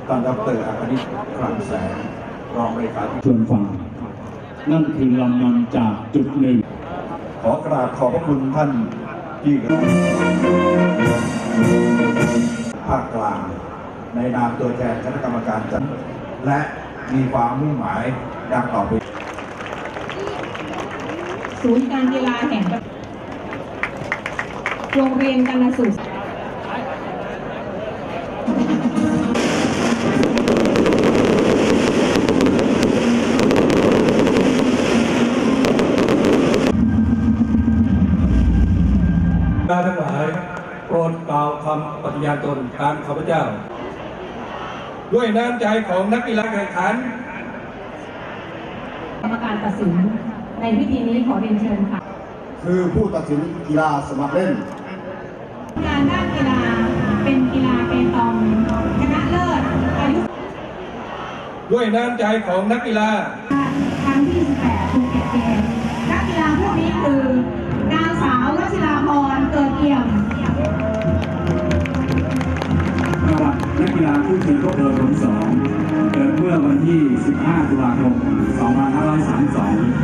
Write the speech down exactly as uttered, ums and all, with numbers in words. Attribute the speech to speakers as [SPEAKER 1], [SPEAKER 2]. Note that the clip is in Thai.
[SPEAKER 1] ท่านดร.อคณิต คลังแสงรองเลขาธิการ
[SPEAKER 2] ชวนฟังนั่นคือลำนำจากจุดหนึ่ง
[SPEAKER 1] ขอกราบขอบพระคุณท่านที่ภาคกลางในนามตัวแทนคณะกรรมการจัดและมีความมุ่งหมายดังต่อไป
[SPEAKER 3] ศูนย์การกีฬาแห่งประเทศโรงเรียนกาฬสุส
[SPEAKER 4] ทั้งหลายโปรดกล่าวคำปฏิญาณตนตามข้าพเจ้าด้วยน้ำใจของนักกีฬาแข่งขัน
[SPEAKER 3] กรรมการตัดสินในพิธีนี้ขอเรียนเชิญค่ะ
[SPEAKER 1] คือผู้ตัดสินกีฬาสมัครเล่น
[SPEAKER 3] การด้านกีฬาเป็นกีฬาเปตองชนะเลิศอายุ
[SPEAKER 4] ด้วยน้ำใจของนักกีฬา
[SPEAKER 3] ครั้งที่สิบแปดภูเก็ตเกมส์นักกีฬาพวกนี้คือนางสาววชิราพรเกิดเอี่ยม
[SPEAKER 2] ประวัตินักกีฬาผู้ชิงโลกเบอร์สองเกิดเมื่อวันที่สิบห้าตุลาคมสองพันห้าร้อยสามสิบสอง